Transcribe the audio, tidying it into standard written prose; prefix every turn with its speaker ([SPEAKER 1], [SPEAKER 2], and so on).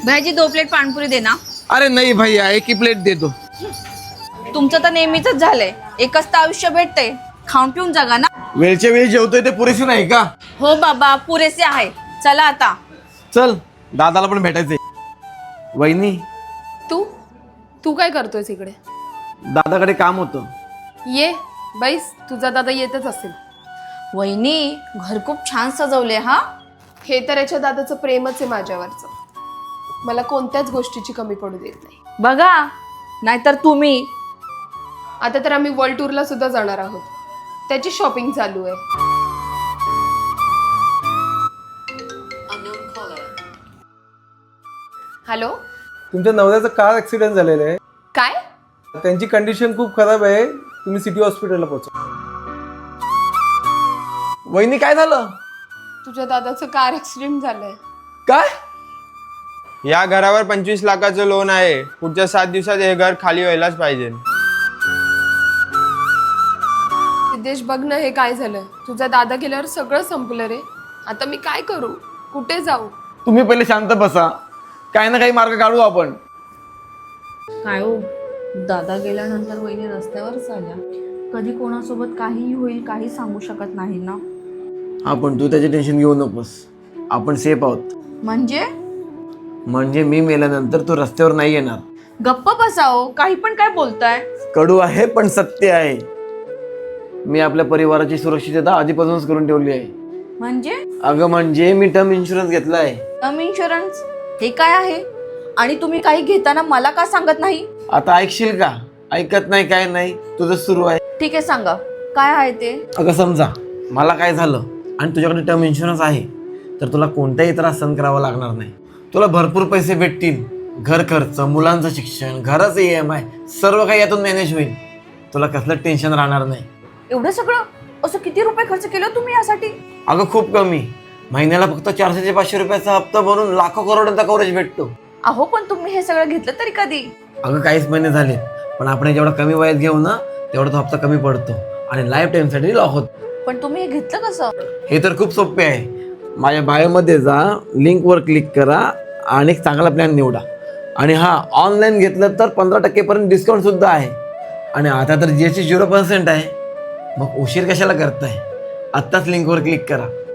[SPEAKER 1] भाजी 2 प्लेट पाणपुरी दे ना.
[SPEAKER 2] अरे नहीं भैया, एक ही प्लेट दे दो.
[SPEAKER 1] तुमचं तर नेहमीच झालंय, एकच तर आयुष्य भेटते, खाऊन पिऊन जगा ना.
[SPEAKER 2] वेळच्या वेळी जेवतोय ते पुरेसे नाही का?
[SPEAKER 1] हो बाबा, पुरेसे आहे. चला आता.
[SPEAKER 2] चल, दादाला पण भेटायचंय. वहिनी,
[SPEAKER 3] तू तू काय करतोयस इकडे?
[SPEAKER 2] दादाकडे काम होतं.
[SPEAKER 3] ये बैस, तुझा दादा येतच असेल.
[SPEAKER 1] वहिनी, घर खूप छान सजवले हा.
[SPEAKER 3] हे तर याच्या दादाचं प्रेमच आहे माझ्यावरचं. मला कोणत्याच गोष्टीची कमी पडू देत नाही.
[SPEAKER 1] बघा, नाहीतर तुम्ही.
[SPEAKER 3] आता तर आम्ही वर्ल्ड टूरला सुद्धा जाणार आहोत. त्याची शॉपिंग चालू आहे. हॅलो,
[SPEAKER 4] तुमच्या नवऱ्याचा कार ऍक्सिडेंट झालेला आहे.
[SPEAKER 3] काय?
[SPEAKER 4] त्यांची कंडिशन खूप खराब आहे. तुम्ही सिटी हॉस्पिटलला पोहोचा.
[SPEAKER 2] वहिनी काय झालं?
[SPEAKER 3] तुझ्या दादाचं कार ऍक्सिडेंट झालंय.
[SPEAKER 2] काय?
[SPEAKER 5] या घरावर 25 लाखाचं लोन आहे. पुढच्या 7 दिवसात हे घर खाली व्हायलाच पाहिजे.
[SPEAKER 3] सिद्धेश, बघ ना हे काय झालं. तुझा दादा गेल्यावर सगळं संपलं रे. आता मी काय करू? कुठे जाऊ?
[SPEAKER 2] तुम्ही पहिले शांत बसा, काही ना काही मार्ग काढू आपण.
[SPEAKER 1] काय हो, दादा गेल्यानंतर वहिनी रस्त्यावरच आल्या. कधी कोणासोबत काहीही होईल, काही सांगू शकत नाही ना.
[SPEAKER 2] हा, पण तू त्याचे टेन्शन घेऊ नकोस. आपण सेफ आहोत. म्हणजे मी मेल्यानंतर तू रस्त्यावर नाही येणार.
[SPEAKER 1] गप्प बसाओ, काही पण काय बोलताय.
[SPEAKER 2] कडू आहे पण सत्य आहे. मी आपल्या परिवाराची सुरक्षितता आधीपासूनच करून ठेवली आहे. अगं म्हणजे मी टर्म इन्शुरन्स घेतला आहे.
[SPEAKER 1] टर्म इन्शुरन्स हे काय आहे? आणि तुम्ही काही घेताना मला का सांगत नाही?
[SPEAKER 2] आता ऐकशील का? ऐकत नाही, काय नाही, तुझं सुरू आहे.
[SPEAKER 1] ठीक आहे, सांगा काय आहे ते.
[SPEAKER 2] अगं समजा मला काय झालं आणि तुझ्याकडे टर्म इन्शुरन्स आहे, तर तुला कोणताही त्रास सहन करावा लागणार नाही. तुला भरपूर पैसे भेटतील. घर खर्च, मुलांचं शिक्षण, घराचं EMI सर्व काही यातून मॅनेज होईल. तुला कसलं टेन्शन राहणार नाही.
[SPEAKER 1] एवढं सगळं असं किती रुपये खर्च केलं तुम्ही यासाठी?
[SPEAKER 2] अगं खूप कमी. महिन्याला फक्त 400 ते 500 रुपयाचा हप्ता भरून लाखो करोडांचा कव्हरेज भेटतो.
[SPEAKER 1] अहो, पण तुम्ही हे सगळं घेतलं तरी कधी?
[SPEAKER 2] अगं काहीच महिने झाले, पण आपण जेवढा कमी वयात घेऊ ना तेवढा तो हप्ता कमी पडतो आणि लाईफ टाईमसाठी लॉक होतो.
[SPEAKER 1] पण तुम्ही हे घेतलं कसं?
[SPEAKER 2] हे तर खूप सोपे आहे. माझ्या बायोमध्ये जा, लिंकवर क्लिक करा आणि एक चांगला प्लॅन निवडा. आणि हा, ऑनलाईन घेतलं तर 15% पर्यंत डिस्काउंट सुद्धा आहे. आणि आता तर GST 0% आहे. मग उशीर कशाला करताय? आत्ताच लिंकवर क्लिक करा.